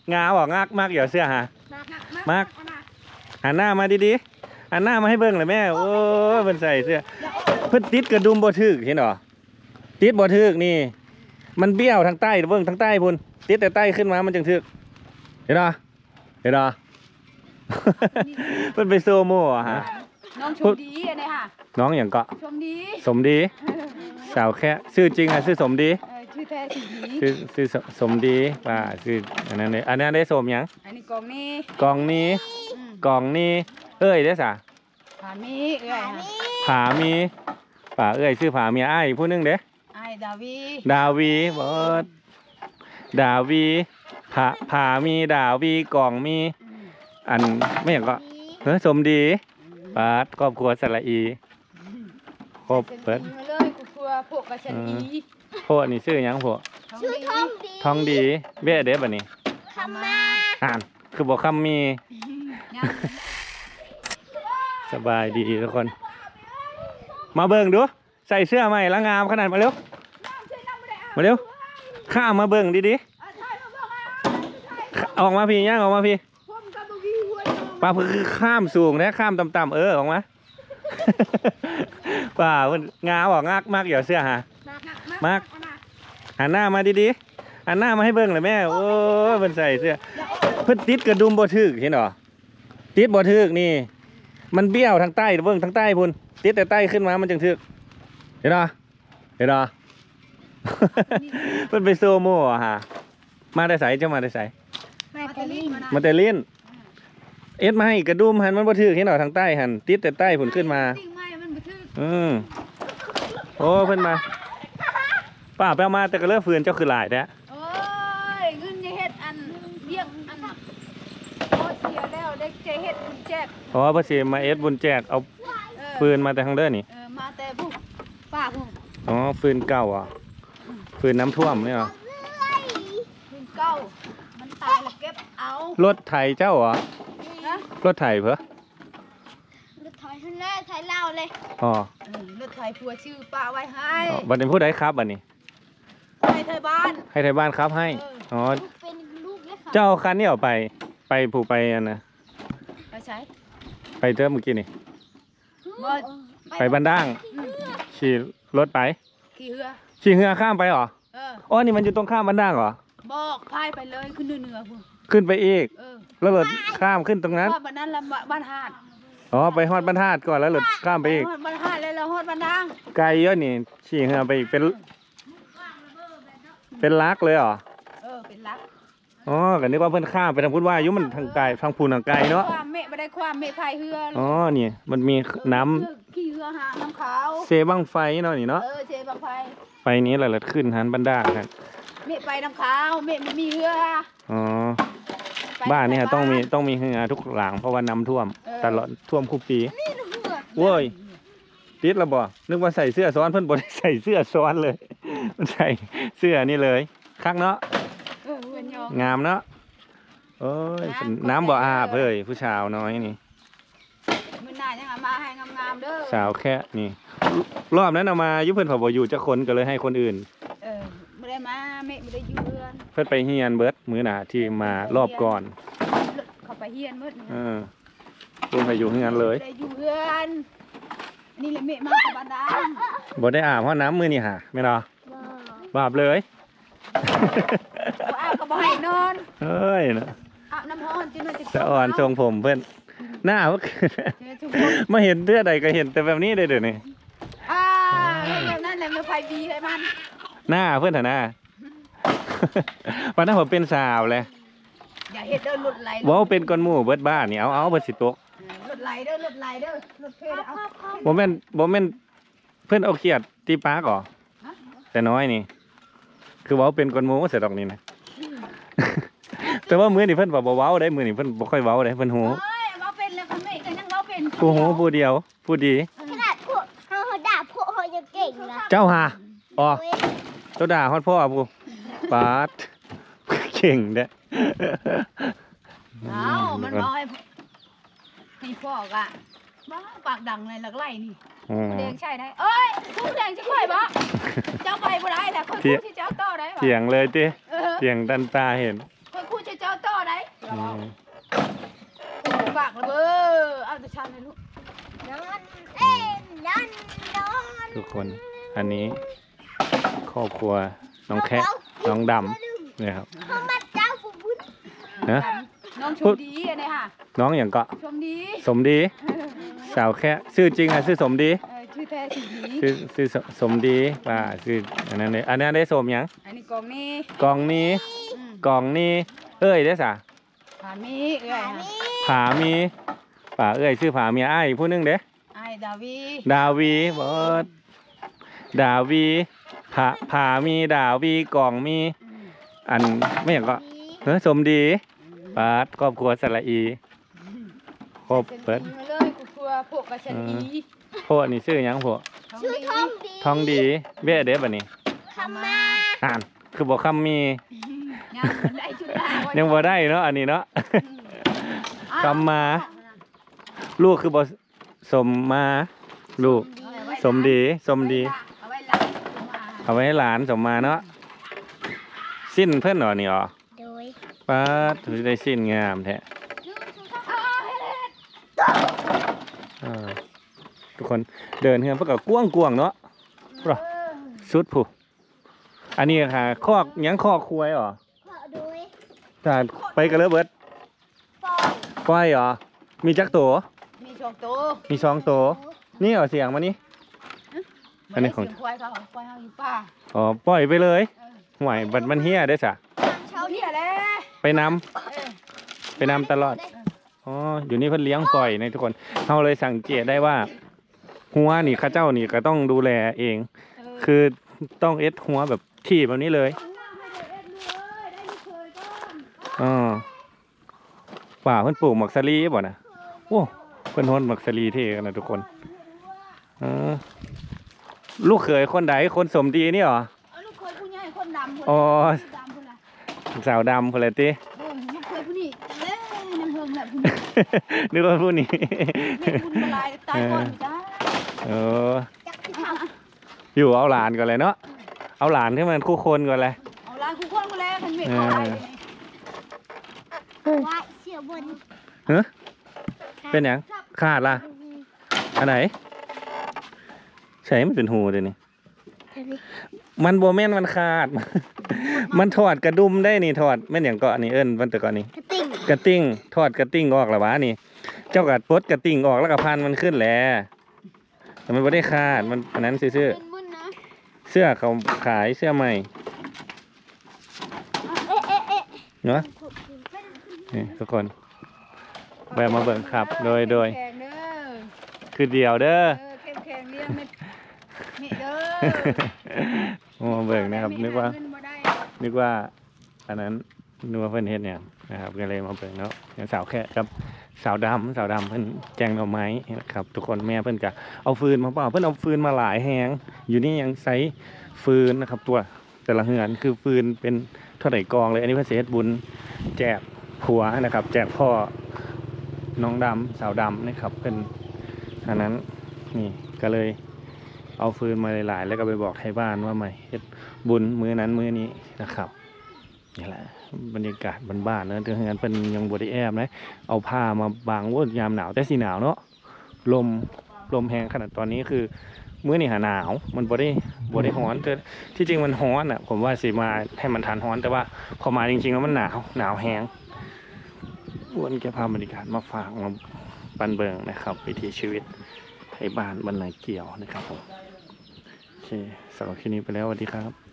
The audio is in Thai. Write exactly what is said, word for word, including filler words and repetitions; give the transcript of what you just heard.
งาบอกงักมากอย่าเสื้อฮะมากหันหน้ามาดีๆหันหน้ามาให้เบิ่งเลยแม่โอ้เพิ่นใส่เสื้อเพิ่นติดกระดุมบ่ถึกเห็นหรอติดบ่ถึกนี่มันเบี้ยวทางใต้เบิ่งทางใต้พุ่นติดแต่ใต้ขึ้นมามันจึงถึกเห็นหรอเห็นหรอเพิ่นไปโซโม่อะฮะน้องชมดีอันนี้ค่ะน้องอย่างก็ชมดีสมดีสาวแค่ชื่อจริงอะชื่อสมดีชื่อแท้สีดีชื่อชื่อสมดีว่าชื่ออันนั้นเลยอันนั้นได้สมยังอันนี้กองนี้กองนี้กองนี้เอ้ยได้สะผามีเอ้ยผามีป่าเอ้ยชื่อผามีไอ้ผู้นึงเด้ไอ้ดาวีดาวีบอสดาวีผาผามีดาวีกองมีอันไม่อย่างก็เฮ้ยสมดีปาดครอบครัวสระอีครบเปิดเลยครัวพวกกระชันอีพวกนี่ชื่อยังพวกชื่อทองดีทองดีเบ้เด้บ่นี่คำมาอ่านคือบอกคำมีสบายดีทุกคนมาเบิ่งดูใส่เสื้อใหม่ละงามขนาดมาเร็วมาเร็วข้ามมาเบิ่งดีๆออกมาพี่ย่างออกมาพี่ป้าคือข้ามสูงนะข้ามต่ำๆเออออกมาป้าเพิ่นงาบอกงักมากอย่าเสื้อฮะมากหันหน้ามาดีๆหันหน้ามาให้เบิ่งเลยแม่โอ้เพิ่นใส่เสื้อเพิ่นติดกระดุมบ่ถึกเห็นหรอติดบ่ถึกนี่มันเบี้ยวทางใต้เบิ่งทางใต้พุ่นติดแต่ใต้ขึ้นมามันจึงถึกเห็นหรอเห็นหรอเพิ่นไปโซโม่อะฮะมาได้ใส่จะมาได้ใส่มาแต่ลิ้นมาแต่ลิ้นเอ็ดมาให้กระดุมหันมันบ่ถึกเห็นหรอทางใต้หันติดแต่ใต้พุ่นขึ้นมาอืมโอ้เพิ่นมาป้าไปเอามาแต่ก็เลิกฟืนเจ้าคือหลายแท้โอ้ยเงินจะเฮ็ดอันเรียกอันโอ้เสียแล้วได้จะเฮ็ดบุญแจกอ๋อเพิ่นสิมาเอ็ดบุญแจกเอาฟืนมาแต่ทางเด้อนี่เออมาแต่ผู้ป้าผู้อ๋อฟืนเก่าอ่ะฟืนน้ำท่วมนี่เหรอฟืนเก่ามันตายแล้วเก็บเอารถไถเจ้าเหรอรถไถเพื่อรถไถท่านแรกไถเล่าเลยอ๋อรถไถผัวชื่อป้าไว้ให้บัดนี้ผู้ใดครับบัดนี้ให้ไทยบ้านให้ไทยบ้านครับให้อ๋อเจ้าคันนี้เอาไปไปผูไปอันนะไปใช้ไปเจอเมื่อกี้นี่ไปบ้านด่างขี่รถไปขี่เรือขี่เรือข้ามไปเหรออ๋อนี่มันอยู่ตรงข้ามบ้านด่างเหรอบอกพายไปเลยขึ้นเหนือพุ่งขึ้นไปอีกแล้วรถข้ามขึ้นตรงนั้นบ้านนั้นละบ้านหาดอ๋อไปฮอดบ้านหาดก่อนแล้วรถข้ามไปอีกฮอดบ้านหาดแล้วเราฮอดบ้านด่างไกลเยอะนี่ขี่เรือไปอีกเป็นเป็นลักเลยเหรอเออเป็นลักอ๋อกันนึกว่าเพิ่นข้ามไปทางพุทธว่ายุมันทางไกลทางพูนทางไกลเนาะความเมฆไม่ได้ความเมฆพายเรืออ๋อนี่มันมีน้ำขี่เรือหาน้ำขาวเซบังไฟเนาะนี่เนาะเออเซบังไฟไฟนี้แหละขึ้นหันบันดาครับเมฆไปน้ำขาวเมฆไม่มีเรืออ๋อบ้านนี่ฮะต้องมีต้องมีเรือทุกหลังเพราะว่าน้ำท่วมตลอดท่วมคุกปีโว้ยติดระบ่นึกว่าใส่เสื้อซ้อนเพิ่นบ่ได้ใส่เสื้อซ้อนเลยมันใส่เสื้อนี่เลยคักเนาะงามเนาะโอ้ยน้ำบ่อาบเฮ้ยผู้ชาวน้อยนี่มื้อหน้ายังมาให้งามๆเด้อสาวแค่นี่รอบนั้นเอามายุเพิ่นพอบ่อยู่จักคนก็เลยให้คนอื่นเออบ่ได้มาแม่บ่ได้อยู่เรือนเพิ่นไปเฮียนเบิดมื้อหน้าที่มารอบก่อนเขาไปเฮียนเบิดเออเพิ่นไปอยู่เฮียนเลยได้อยู่เรือนนี่แหละแม่มากับบ้านด่างบ่ได้อาบเพราะน้ำมื้อนี่หาแม่นบ่บ่อาบเลยบ่อาบก็บ่ให้นอนเอ้ยนะอาบน้ำร้อนจิมันจะสะอ่อนทรงผมเพิ่นหน้าเพิ่นมาเห็นเทื่อใดก็เห็นแต่แบบนี้ได้เด้อนี่อ่าแบบนั้นแหละมันไผบีให้มันหน้าเพิ่นน่ะนะวันนั้นผมเป็นสาวเลยอย่าเฮ็ดเด้อรถไหลว้าวเป็นก้อนหมู่เบิดบ้านนี่เอาเอาเบิดสิตกรถไหลเด้อรถไหลเด้อรถเพลเอาบ่แม่นบ่แม่นเพิ่นเอาเขียดตีปากเหรอแต่น้อยนี่คือว้าวเป็นก้อนหมู่เสียดอกนี่นะแต่ว่ามื้อนี่เพิ่นบ่เว้าได้มื้อนี่เพิ่นบ่ค่อยเว้าได้เพิ่นหูเอ้ยเว้าเป็นแล้วคั่นแม่ก็ยังเว้าเป็นผู้หูผู้เดียวผู้ดีขนาดพวกเฮาด่าพวกเฮายังเก่งนะเจ้าหาอ๋อเจ้าด่าฮอดพ่อผู้ปาดเก่งเด้เอ้ามันบ่ให้ให้ฟอกอ่ะบ้าปากดังเลยหลักไล่นี่แดงใช่ได้เอ้ยผู้แดงสิค่อยบ่เจ้าไปบ่ได้แหละคนผู้ที่เจ้าต่อได้บ่เถียงเลยติเถียงดันตาเห็นคนผู้ที่เจ้าต่อได้อืมฝากเลยเบ้อเอาแต่ชันเลยลูกนอนเอ็นนอนนอนทุกคนอันนี้ครอบครัวน้องแคะน้องดำเนี่ยครับเขามาเจ้าบุบุญนะน้องชมดีอันนี้ค่ะน้องอย่างก็ชมดีสมดี สาวแคะชื่อจริงอะชื่อสมดีเออชื่อแท้สีดีชื่อชื่อสสมดีว่าชื่ออันนั้นเลยอันนั้นได้สมหยังอันนี้กองนี้กองนี้อืมกองนี้เอ้ยได้สะผามีเอ้ยขาค่ะมีผามีป่าเอ้ยชื่อผาเมียอ้ายผู้หนึงเด้ไอ้ดาวีดาวีเบิดดาวีผาผามีดาวีกองมีอืมอันไม่อย่างก็เฮ้ยสมดีปาดครอบครัวสระอีครบเปิดมาเลยกูกลัวพวกกระชันอีพวกนี่ชื่อหยังพวกชื่อทองดีทองดีเบ้เด้บัดนี้คำมาอ่านคือบอกคำมียังมันได้ชุดได้ยังบ่ได้เนาะอันนี้เนาะ กำมา ลูกคือบ่สมมาลูกสมดีสมดีเอาไว้หลังเอามาเอาไว้ให้หลานสมมาเนาะสิ้นเพิ่นเหรอนี่อ๋อโดยป้าดถือได้สิ้นงามแท้ อ่าทุกคนเดินเฮือนเพื่อกับกว้างกวางๆเนาะปะสุดผู้อันนี้ค่ะคอกหยังคอกควายเหรอขอโดยถ้าไปกันเลยเบิดปอยควายเหรอมีจักตัวมีช่องโตมีสองตัวนี่เหรอเสียงมานี่ อันนี้ของเสียควายเขาควายเขาอยู่ป่าอ๋อปล่อยไปเลยเออห่วยบัดมันเฮียได้สะเช้าเนี่ยแหละไปนำเออไปนำตลอดอ๋ออยู่นี่เพิ่นเลี้ยงปล่อยนะทุกคนเราเลยสังเกตได้ว่าหัวนี่เข้าเจ้านี่ก็ต้องดูแลเองเออคือต้องเอ็ดหัวแบบที่แบบนี้เลยอ๋อป่าเพิ่นปลูกหมักสลีบ่นะโอ้เพิ่นฮอนหมักสลีเท่กันนะทุกคนอ๋อลูกเขยคนใดคนสมดีนี่เหรอเอาลูกเคยผู้ใหญ่คนดำคนอ๋อดำคนละสาวดำคนละติเออลูกเคยผู้นี้เอ้ยน้ำเพิงแหละผู้นี้นึกว่าผู้นี้แม่บุญมาลายตายก่อนจ้าเออจักที่ทอยู่เอาหลานก่อนเลยเนาะเอาหลานที่มันคู่คนก่อนเลยเอาล้างคู่คนมาแล้วทันเมฆเข้าไปเลยำว่าเสียบนเฮ้ยเป็นหยังขาดล่ะอันไหนใช่มันเป็นหูเดี๋ยวนี้มันโบแม่นมันขาด มันถอดกระดุมได้นี่ถอดแม่นอย่างเกาะนี่เอิ้นมันแต่ก่อนนี่กระติ่งกระติ้งถอดกระติ้งออกแล้ววะนี่ เจ้ากัดปลดกระติ้งออกแล้วก็พันมันขึ้นแหล้วแต่มันไม่ได้ขาดมันอันนั้นซื้อเป็นบุญนะเสื้อเขาขายเสื้อใหม่เอ๊ะเอ๊ะเอ๊ะเนาะนี่ทุกคนแวะมาเบิ่งครับ โดยโดยแข็งเด้อคือเดียวเด้อเออเข้มแข็งเลี้ยงเม็ดเม็ดเด้อมาเบิ่งนะครับ นึกว่าเงินบ่ได้นึกว่าอันนั้นนึกว่าเพิ่นเฮ็ดเนี่ยนะครับก็เลยมาเบิ่งเนาะอย่างสาวแค่ครับสาวดำสาวดำเพิ่นแจงหน่อไม้นะครับ ทุกคนแม่เพิ่นก็เอาฟืนมาเปล่าเพิ่นเอาฟืนมาหลายแฮงอยู่นี่ยังใช้ฟืนนะครับ ตัวแต่ละเฮือนคือฟืนเป็นเท่าไหร่กองเลย อันนี้เพิ่นสิเฮ็ดบุญแจกผัวนะครับ แจกพ่อน้องดำสาวดำนะครับเป็นอันนั้นนี่ก็เลยเอาฟืนมาหลายๆแล้วก็ไปบอกไทยบ้านว่าไม่เฮ็ดบุญมื้อนั้นมื้อนี้นะครับนี่แหละบรรยากาศบ้านๆเนอะเดือนนั้นเป็นยังบไดแอบนะเอาผ้ามาบังว่ายามหนาวแต่สีหนาวเนาะลมลมแรงขนาดตอนนี้คือมื้อนี้หาหนาวมันบ่ได้บ่ได้ร้อนแต่ที่จริงมันร้อนอ่ะผมว่าสิมาให้มันทานร้อนแต่ว่าพอมาจริงๆแล้วมันหนาวหนาวแห้งวันแกพาบรรยากาศมาฝากมาบันเบิงนะครับวิถีชีวิตไทยบ้านบรรณาเกี่ยวนะครับผมโอเคสำหรับคลิปนี้ไปแล้วสวัสดีครับ